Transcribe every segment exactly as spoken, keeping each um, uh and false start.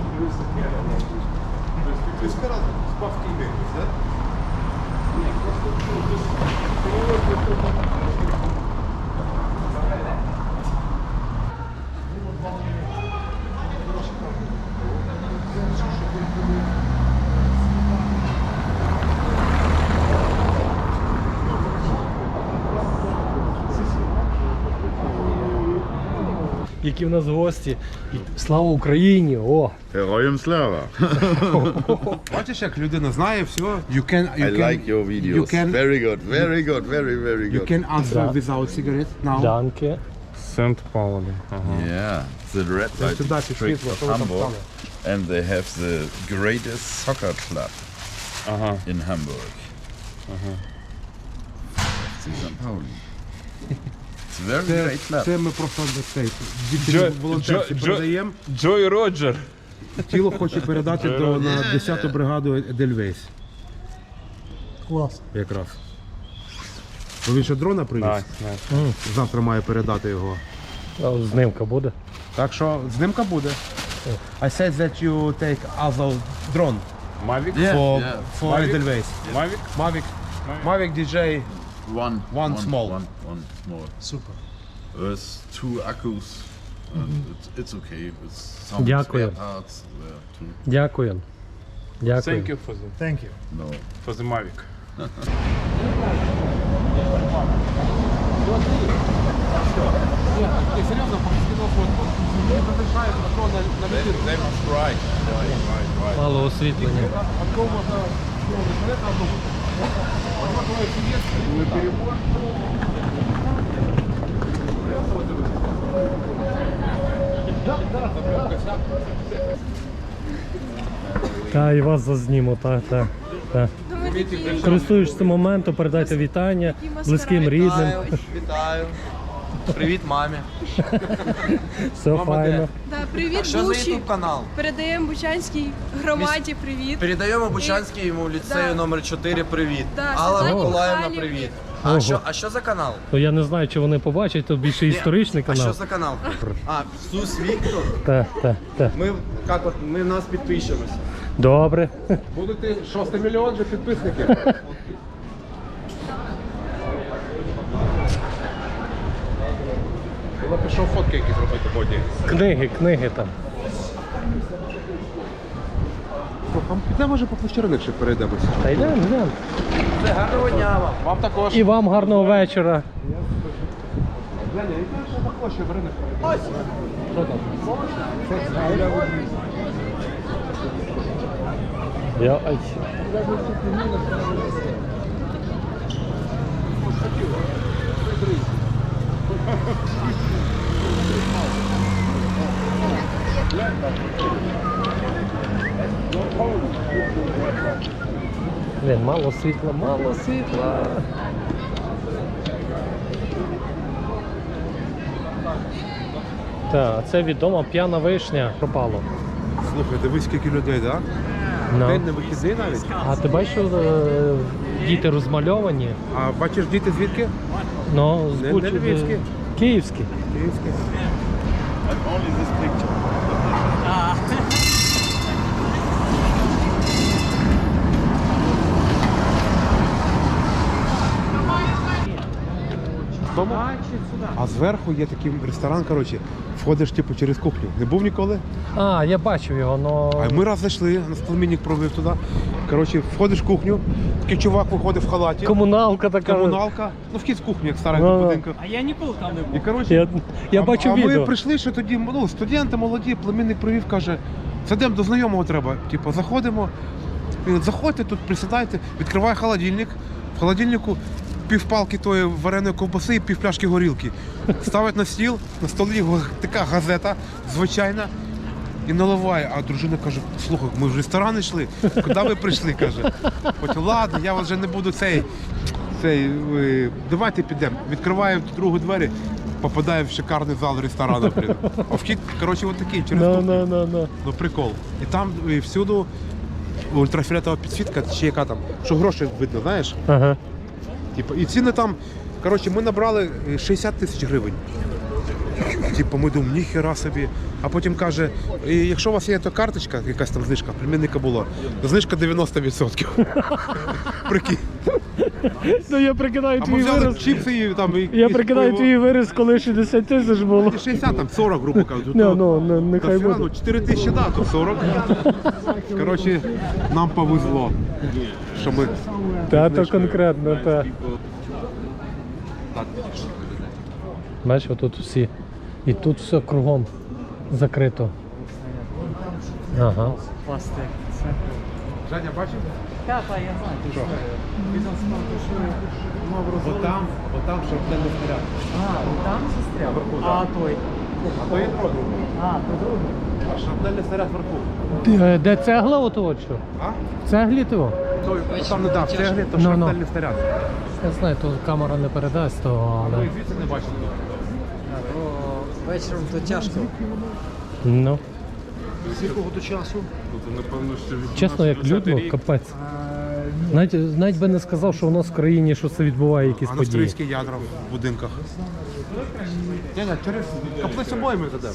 Які в нас гості. Слава Україні! О! Героям слава! Бачиш, як людина знає все. You can, you I can, like your videos. You can, Very good, very good, very, very you good. can answer Да. without cigarette now. Данки. Сент Паули. Ага. Yeah, the red light сюди пішли, district of що ви там Hamburg. стали? And they have the greatest soccer club Ага. in Hamburg. F C Sankt Pauli. It's a very Це, great club. це ми просто цей, Джо- дівчині волонтерці Джо- Джо- передаємо. Джой Роджер. Тіло хоче передати до, на десяту бригаду Едельвейс. Клас. Якраз. Бо він ще дрона привіз. Найс, найс. Завтра має передати його. А знимка буде? Так що знимка буде. I said that you take other drone Мавік? Yeah, for, yeah. for Mavic? Edelweiss. Мавік? Mavic. Mavic ді джей. One, One small. One, one small. Супер. There's two accus. And it's, it's okay. It's some Дякую. spare parts there too. Дякую. Дякую. Thank you for the, Thank you. No. for the Mavic. Серйозно, скинув фотку. Розрішає про на They must write. Right, right, right. Мало освітлення. Та, і вас зазніму, так, так. Та. Користуючись моментом, передайте вітання близьким, рідним. Вітаю. Привіт мамі. Все файно. Да, привіт, А що за Бучі. ютуб канал? Передаємо Бучанській громаді привіт. Передаємо Бучанському ліцею Да. номер чотири привіт. Да, Алла Світлані Миколаївна, Михайлівні. привіт. Ого. А що, а що за канал? Ну, я не знаю, чи вони побачать, то більше історичний А що канал. за канал? А, Сус Віктор. Так, так, так. Ми, як от, ми в нас підпишемося. Добре. Будете шостий мільйон же підписників. Я пішов фотки якісь робити боді. Книги, книги там. Підемо, може, по площариних ще перейдемося. Та йдемо, йдемо. Все, гарного дня вам. Вам також. І вам гарного вечора. Леня, яка ще також ще в ринок перейдемо? Що там? Я... Ай. Блін, мало світла, мало світла. Так, це відома п'яна вишня пропало. Слухай, дивись, скільки людей, так? Ну. День не вихідний навіть. А ти бачиш, що е, діти розмальовані? А бачиш, діти звідки? Ну, з Не- Буч- не львівські. Київські. Київські. Only this picture. Тому? А зверху є такий ресторан, коротше, входиш типу через кухню. Не був ніколи? А, я бачив його, но... А ми раз зайшли, нас племінник провів туди. Коротше, входиш в кухню, такий чувак виходить в халаті. Комуналка така. Комуналка. Ну, вхід з кухні, як стара Ну, ну. будинка. А я ніколи там не був. І, коротше, Я, я а, бачив а відео. ми прийшли, що тоді, ну, студенти молоді, племінник провів, каже, сидимо до знайомого треба. Типу, заходимо, він говорить, заходьте тут, присідайте, відкриває холодильник. В холодильнику півпалки тої вареної ковбаси і півпляшки горілки. Ставить на стіл, на столі го- така газета, звичайна, і наливає. А дружина каже, слухай, ми в ресторан йшли, куди ви прийшли, каже. Потім, ладно, я вже не буду цей, цей, е, давайте підемо. Відкриває другу двері, попадає в шикарний зал ресторану. блін. А вхід, коротше, от такий, через Ну, кухню. ну, ну, ну. Ну прикол. І там і всюди ультрафіолетова підсвітка, чи яка там, що гроші видно, знаєш? Ага. Типу, і ціни там, коротше, ми набрали шістдесят тисяч гривень. Типу, ми думаємо, ніхера собі. А потім каже, «І якщо у вас є та карточка, якась там знижка, племінника було, то знижка дев'яносто відсотків. Прикинь. Ну я прикидаю А ми твій взяли вираз. чіпси і там і Я і прикидаю пиво. твій вираз, коли шістдесят тисяч було. І шістдесят, там сорок, грубо кажучи. Ну, ну, ну, нехай Та все, буде. ну, чотири тисячі, да, то сорок. Коротше, нам повезло, що ми... Та то конкретно, та. Бачиш, отут всі. І тут все кругом закрито. Ага. Женя, бачив? Так, так, я знаю. Що? Отам, отам шарпнельний снаряд. А, там застряв? Вверху, А так. той? А то є другий. А, то другий. А шарпнельний снаряд вверху. Де, де цегла ото що? А? В цеглі того? Той, там не дав, в цеглі, то Ну, ну. шарпнельний снаряд. Я знаю, то камера не передасть того, Ми але... звідси не бачили. А, то вечором то тяжко. Ну, З якого до часу? Ну, то, напевно, що від чесно, як людно, капець. Навіть, навіть би не сказав, що у нас в країні що це відбуває якісь А на події. австрійські ядра в будинках. Ні, ні, через каплицю обоями туди.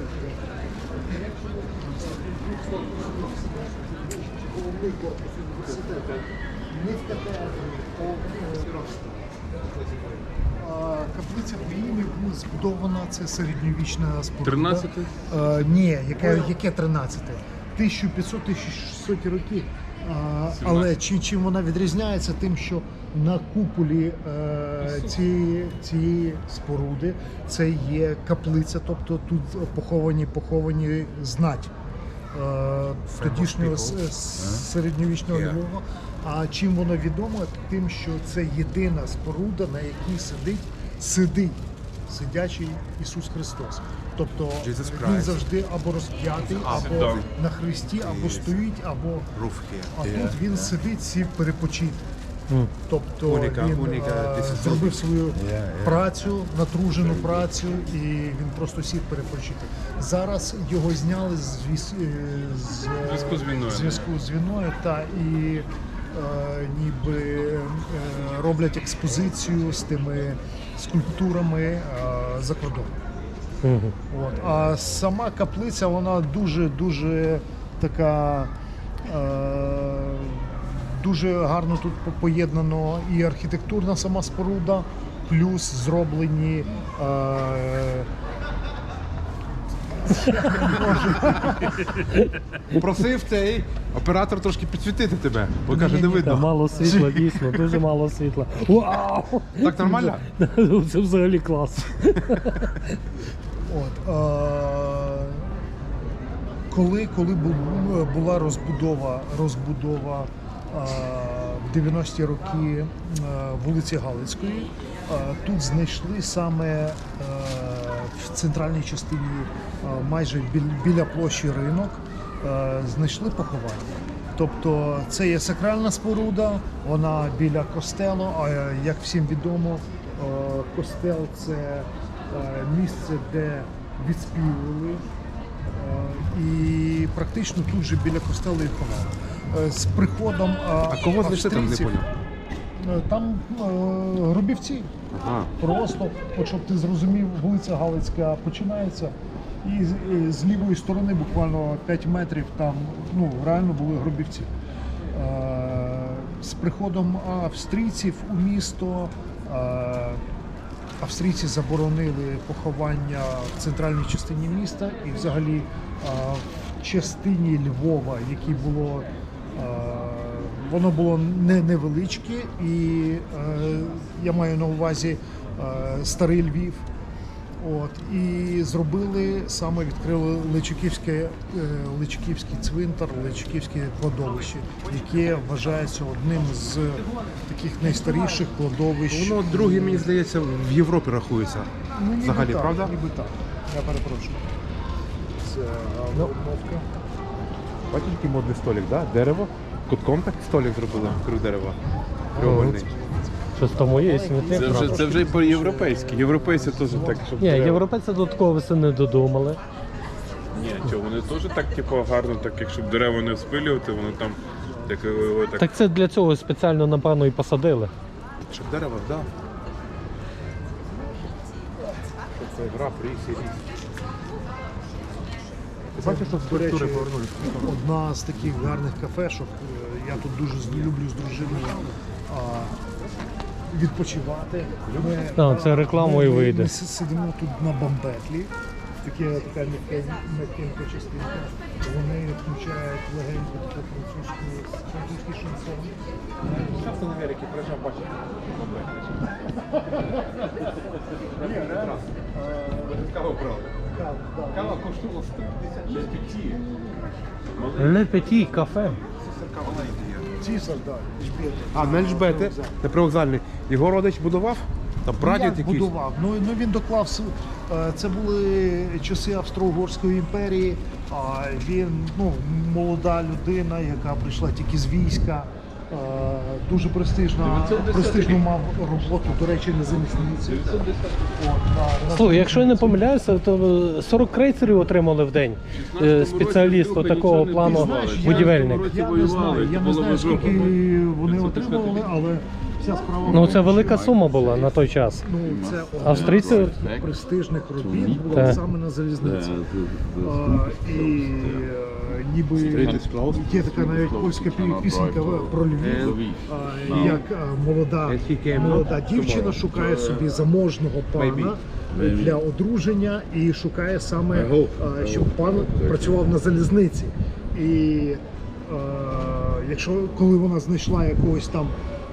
А, Каплиця Боїни була збудована, це середньовічна споруда. тринадцятий? Е, ні, яке, яке тринадцяте? тисяча п'ятсот - тисяча шістсот роки. А, але чим, чим вона відрізняється? Тим, що на куполі е, цієї, цієї споруди це є каплиця, тобто тут поховані, поховані знать е, тодішнього с- с- середньовічного Львова. А чим воно відомо? Тим, що це єдина споруда, на якій сидить, сидить сидячий Ісус Христос. Тобто Jesus він Christ. завжди або розп'ятий, або Так. на хресті, або стоїть, або а тут він сидить, сів перепочити. Мгм. Тобто Уніка, він уніка, е, this is зробив свою працю, натружену працю, і він просто сів перепочити. Зараз його зняли з віс- е, з Зв'язку з війною. зв'язку з війною, та і е, ніби е, роблять експозицію з тими скульптурами е, за кордоном. Мгм. От. А сама каплиця, вона дуже-дуже така. Е, дуже гарно тут по- поєднано і архітектурна сама споруда, плюс зроблені. Е, Просив цей оператор трошки підсвітити тебе, бо каже, не Та видно. мало світла, дійсно, дуже мало світла. Вау! Так нормально? Це взагалі клас. От, е, коли, коли бу- була розбудова, розбудова е, в дев'яності роки е, вулиці Галицької, е, тут знайшли саме е, в центральній частині, е, майже біль- біля площі ринок, е, знайшли поховання. Тобто це є сакральна споруда, вона біля костелу, а е, як всім відомо, е, костел це е, місце, де відспівували, е, і практично тут же біля костелу і ховали. Е, З приходом е, А кого знайшли там, не австрійців, поняв? е, там е, гробівці. А, Просто, от щоб ти зрозумів, вулиця Галицька починається, і з, і з лівої сторони буквально п'ять метрів там ну, реально були гробівці. Е, з приходом австрійців у місто е, австрійці заборонили поховання в центральній частині міста і взагалі е, в частині Львова, які було. е, Воно було не невеличке, і е, я маю на увазі е, старий Львів. От, і зробили саме відкрили Личаківське, е, Личаківський цвинтар, Личаківське кладовище, яке вважається одним з таких найстаріших кладовищ. воно друге, мені здається, в Європі рахується. Ну, ніби взагалі, так, правда? Ніби так. Я перепрошую. Це обновка. Бачиш, який модний столик, да? Дерево. Кутком так столик зробили, крив дерева. Треугольний. Щось там моє смітник. Це вже, це вже і по-європейськи. Європейці теж так, щоб... Ні, дерева. європейці до такого веси не додумали. Ні, чого, вони теж так, типу, гарно, так, якщо б дерева не спилювати, воно там так, о, так... Так це для цього спеціально, напевно, і посадили. Щоб дерево, да. Це гра, ріс і ріс. Бачиш, що До речі, скульптури повернулися. одна з таких гарних кафешок. е, Я тут дуже з- люблю з дружиною а, відпочивати. Ми, А, це реклама і ми- вийде. Ми си- сидимо тут на бамбетлі. Таке, така м'якенька м'якенька частинка. Вони включають легеньку таку французьку, французький шансон. Часто на Америці приїжджав, бачив. Кава брали. Кава коштувала сто п'ятдесят шість п'яті. Ле Петі кафе. Цісар, так, Ельжбета. А, на Ельжбети, на привокзальний. Його родич будував? Там Ну, прадід як якийсь? будував. Ну, ну він доклав с- е, це були часи Австро-Угорської імперії. А він ну молода людина, яка прийшла тільки з війська. е, Дуже престижна, престижну мав роботу, до речі, на залізниці. От, на- на- Слухай, якщо я не помиляюся, то сорок крейсерів отримали в день. Е, Спеціаліст такого плану Знаєш, я- будівельник. Я не знаю, я не знаю, скільки вони отримували, але вся справа. в Ну тому, це велика що- сума була на той час. Ну, це одна Австрійці- з престижних робіт була Так. саме на залізниці. А, і е, ніби є така навіть польська пі- пісенька про Львів, а, як е, молода, молода дівчина шукає собі заможного пана для одруження і шукає саме, е, щоб пан працював на залізниці. І е, якщо коли вона знайшла якогось там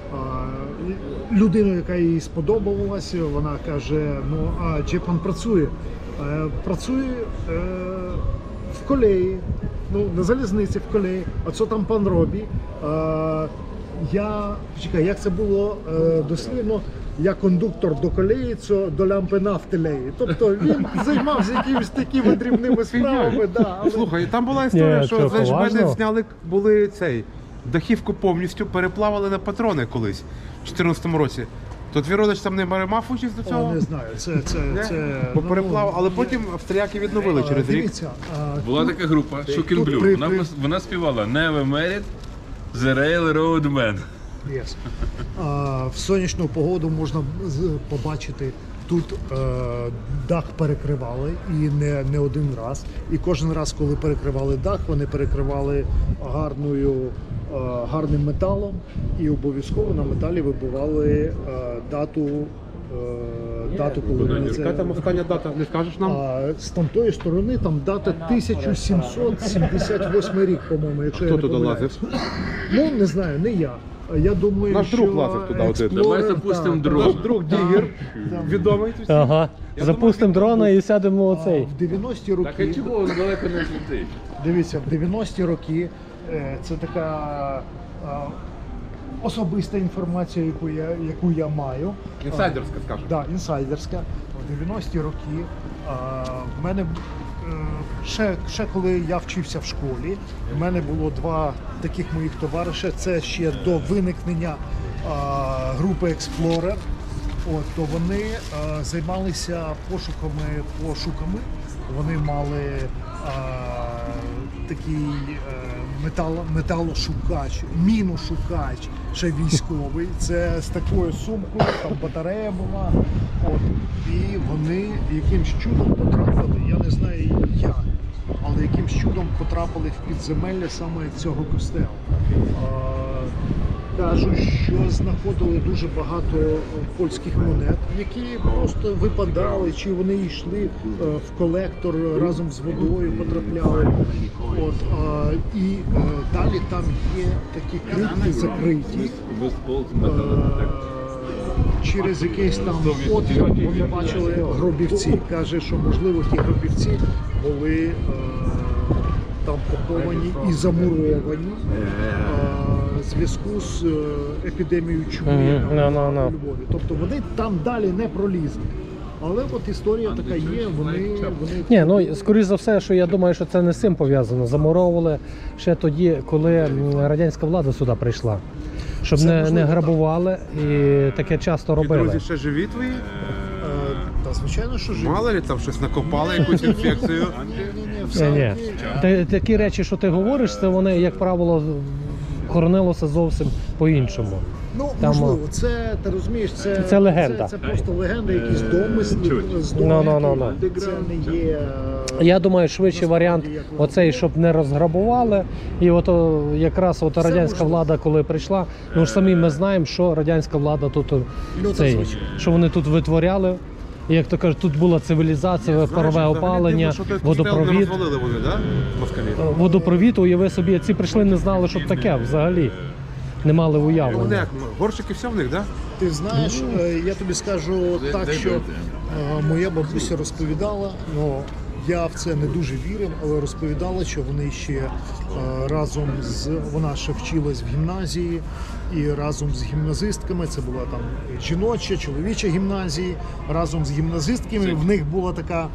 а, людину, яка їй сподобалася, вона каже: ну а чи пан працює? Е, Працює е, в колеї, ну на залізниці в колеї. А що там пан робить? Е, Я чекай, як це було е, дослівно? Я кондуктор до колеї, це до лямпи нафтилеї. Тобто він займався якимись такими дрібними справами. Да, але... Слухай, там була історія, Ні, що що, з Ельжбети поважно? зняли були цей дахівку повністю, переплавали на патрони колись в чотирнадцятому році. То твій родич там не мав участь до О, цього? не знаю, це, це, Не? це Бо ну, переплав, але є- потім австріяки відновили А, через рік. Дивіться, а, Була тут- така група Shocking тут Blue. при- Вона, при- пос- вона співала Never Married The Railroad Man. Yes. А, в сонячну погоду можна з- побачити. Тут е, дах перекривали і не, не один раз. І кожен раз, коли перекривали дах, вони перекривали гарною, е, гарним металом і обов'язково на металі вибивали е, дату, е, дату, коли вони це... Яка там остання дата, не скажеш нам? А з тамтої сторони там дата тисяча сімсот сімдесят восьмий рік, по-моєму, якщо Хто я не туди помиляюсь. лазив? Ну, не знаю, не я. Я думаю, Наш що друг лазив туди один. Explorer, Давай запустимо так, дрон. Наш друг Дігер, там. відомий. Ага. Я Запустимо думаю, дрона і сядемо А, оцей. в дев'яності Так а роки, чого воно далеко не злетить? дивіться, в дев'яності роки е, це така а, особиста інформація, яку я, яку я маю. Інсайдерська, скажемо. Так, да, інсайдерська. В дев'яності роки а, в мене е, ще, ще коли я вчився в школі, в мене було два таких моїх товариша. Це ще до виникнення а, групи Explorer. От, то вони а, займалися пошуками, пошуками. Вони мали а, такий е, метал, металошукач, міношукач, ще військовий. Це з такою сумкою, там батарея була. От. І вони якимсь чудом потрапили, я не знаю як, але якимсь чудом потрапили в підземелля саме цього костелу. А, Кажуть, що знаходили дуже багато е, польських монет, які просто випадали, чи вони йшли е, в колектор разом з водою, потрапляли. От, а, і е, далі там є такі критки закриті. Е, Через якийсь там отвір вони бачили гробівці. Каже, що можливо ті гробівці були е, там поховані і замуровані е, в зв'язку з е, епідемією чуми Мгм. там, Ну, ну, ну. у Львові. Тобто вони там далі не пролізли. Але от історія така є, вони, вони Ні, ну скоріш за все, що я думаю, що це не з цим пов'язано. Замуровували ще тоді, коли м, радянська влада сюди прийшла. Щоб Це не, можливо, не так. грабували і таке часто І робили. друзі ще живі твої? е, та звичайно, що живі. Мало ли там щось накопали, якусь інфекцію? Ні-ні-ні, все Ні, ні. окей. Та- Такі речі, що ти говориш, це вони, як правило, хоронилося зовсім по-іншому. Ну, Там, можливо, це, ти розумієш, це, Це легенда. Це, це просто легенда, якісь домисли, чуть. здобутки. Ну, ну, ну, ну. Це не є... е, Я думаю, швидший варіант оцей, щоб не розграбували. І от о, якраз от радянська можливо. влада, коли прийшла, ну ж самі ми знаємо, що радянська влада тут о, Ну, цей, зазвичай. що вони тут витворяли. І, як то кажуть, тут була цивілізація, парове опалення, водопровід. Не розвалили вони, да? Москалі. Е, Водопровід, уяви собі, ці прийшли, не знали, що таке взагалі. Не мали Вони уявлення. як, горщики все в них, да? Ти знаєш, е, я тобі скажу так, що е, моя бабуся розповідала, ну я в це не дуже вірив, але розповідала, що вони ще е, разом з вона ще вчилась в гімназії, і разом з гімназистками, це була там жіноча, чоловіча гімназії, разом з гімназистками в них була така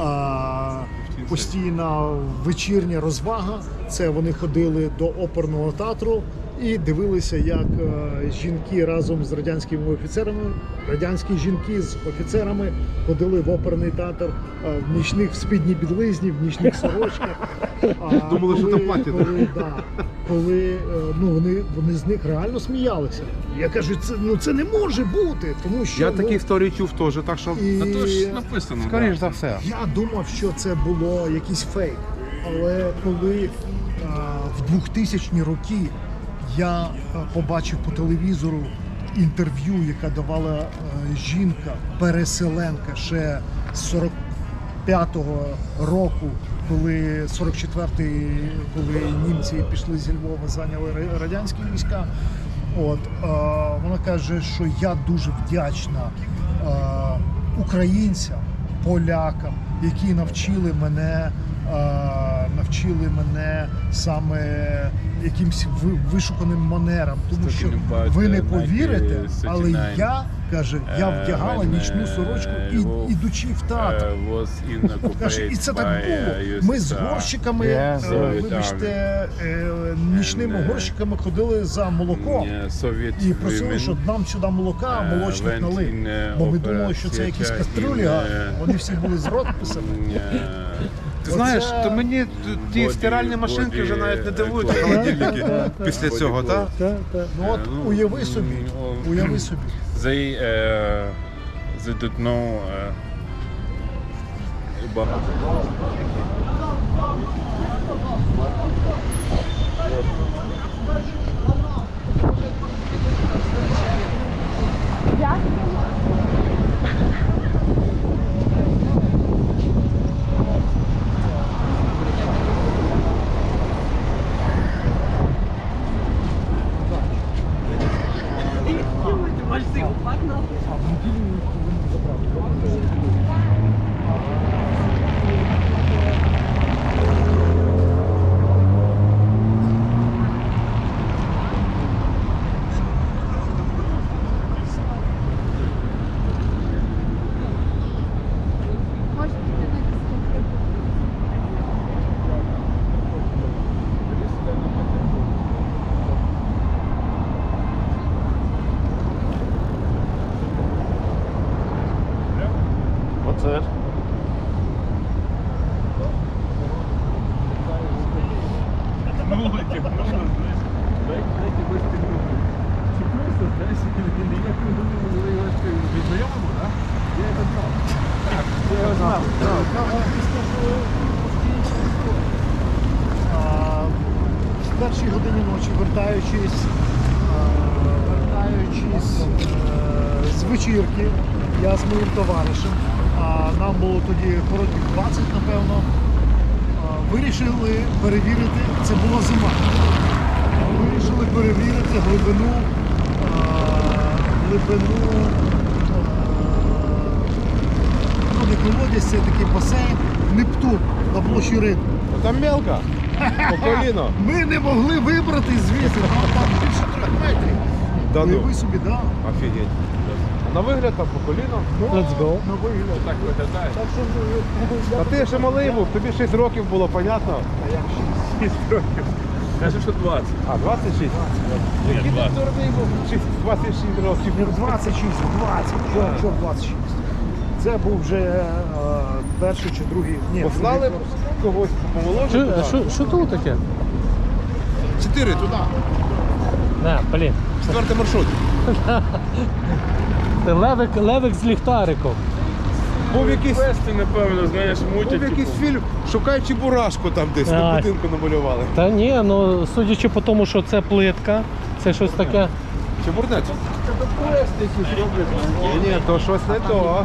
е, постійна вечірня розвага. Це вони ходили до оперного театру і дивилися, як е, жінки разом з радянськими офіцерами, радянські жінки з офіцерами ходили в оперний театр е, в нічних в спідній білизні, в нічних сорочках. А Думали, що коли- там платять, коли, да, коли е, ну, вони, вони з них реально сміялися. Я кажу, це, ну, це не може бути, тому що Я ну, такі історії чув теж, так що... і... А то ж написано. Скоріш да. за все. Я думав, що це було якийсь фейк. Але коли а, в двохтисячні роки я а, побачив по телевізору інтерв'ю, яка давала а, жінка, переселенка ще з сорок п'ятого року, коли сорок четвертий, коли німці пішли зі Львова, зайняли ра- радянські війська. От, а, вона каже, що я дуже вдячна а, українцям, полякам, які навчили мене, а, навчили мене саме якимсь ви- вишуканим манерам, тому що ви не повірите, але я, каже, я вдягала нічну сорочку, і, ідучи в театр. Каже, і це так було. Ми з горщиками, е, вибачте, е, нічними горщиками ходили за молоком. І просили, щоб нам сюди молока, молочник налив. Бо ми думали, що це якісь каструлі гарні. Вони всі були з розписами. Ти знаєш, Оце- то мені т- ті Боді- стиральні машинки вже навіть не боді- дивують боді- холодильники Так, після цього, так? Так, так. Ну от уяви собі, уяви собі. They, uh, they don't know uh, about... Оце. А, в першій годині ночі, вертаючись, а, вертаючись е, з вечірки, я з моїм товаришем, а нам було тоді років двадцять, напевно, а, вирішили перевірити, це була зима, вирішили перевірити глибину, а, глибину, а, ну, не колодязь, це такий басейн, Нептун на площі Ринку. Там мелко, по коліно. Ми не могли вибрати звідси, там, там більше трьох метрів. Да ну. Уяви собі, да. Офігеть. На вигляд там по коліно. Ну, Let's go. На вигляд. Так виглядає. Так що, ну, я А ти ще малий був, тобі шість років було, понятно? А як шість? шість років. Каже, що двадцять. А, двадцять шість? Який ти двадцять. дурний був? Шість- двадцять шість років. Не в двадцять шість, в двадцять. Що, що в двадцять шість? Це був вже е, перший чи другий. Ні, Послали другий б курс. когось помолодше Що, туди? що, що тут таке? Чотири туди. Не, блін. Четвертий маршрут. Це левик, левик з ліхтариком. Був якийсь, Квести, напевно, знаєш, мутять. був якийсь типу. фільм, шукаючи бурашку там десь, на А. будинку намалювали. Та ні, ну судячи по тому, що це плитка, це щось таке. Чи бурнець? Ні, ні, то щось не то.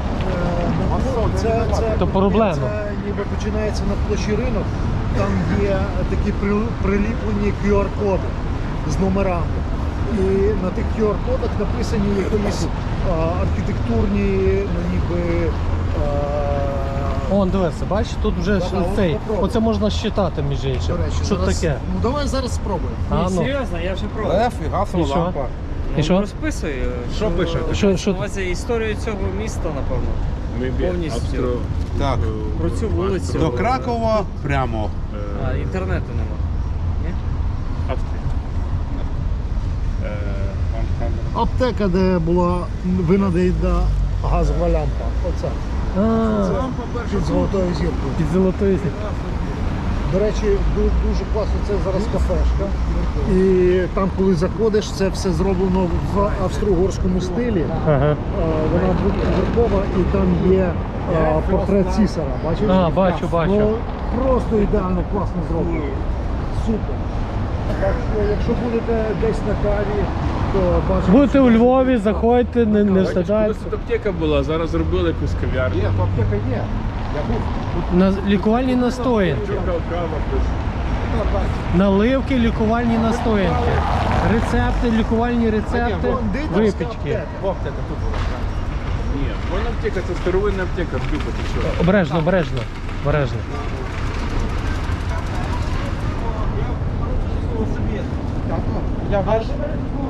Це, це, То проблема. Це ніби починається на площі ринок, там є такі при- приліплені кю ар-коди з номерами. І на тих кю ар-кодах написані якісь а, архітектурні, ну ніби. А, Он, дивися, бачиш, тут вже ж Давай, цей. попробуй. Оце можна щитати, між іншим. до речі, Що зараз, таке? Ну давай зараз спробуємо. А, ну. Серйозно, я вже пробував. Лев і гасова І що? лампа. І що? Розписую. Що пише? Що, що? На увазі історію цього міста, напевно. Maybe Повністю. Австро- Так. е, Про цю вулицю. До Кракова прямо. е, А, інтернету нема. Ні? Австрія. Е, вам камера. Аптека, де була винайдена газова лямпа. Оце. А, Під золотою зіркою. під золотою. До речі, ду- дуже класно, це зараз кафешка. І там, коли заходиш, це все зроблено в австро-угорському стилі. Ага. А, Вона двоповерхова і там є а, портрет Цісара. Бачиш? А, бачу, бачу. Ну, просто ідеально класно зроблено. Супер. Так що, якщо будете десь на каві, то бачите. Будете у Львові, заходьте, не, не Колись встидайте. тут аптека була, зараз зробили якусь кав'ярню. Є, то аптека є. Я був. На лікувальні настоянки. Кава плюс. Наливки, лікувальні настоянки. Рецепти, лікувальні рецепти, випічки. Ні, вона аптека, це старовинна аптека, Люба, ти що? Обережно, обережно, обережно. Я бачу.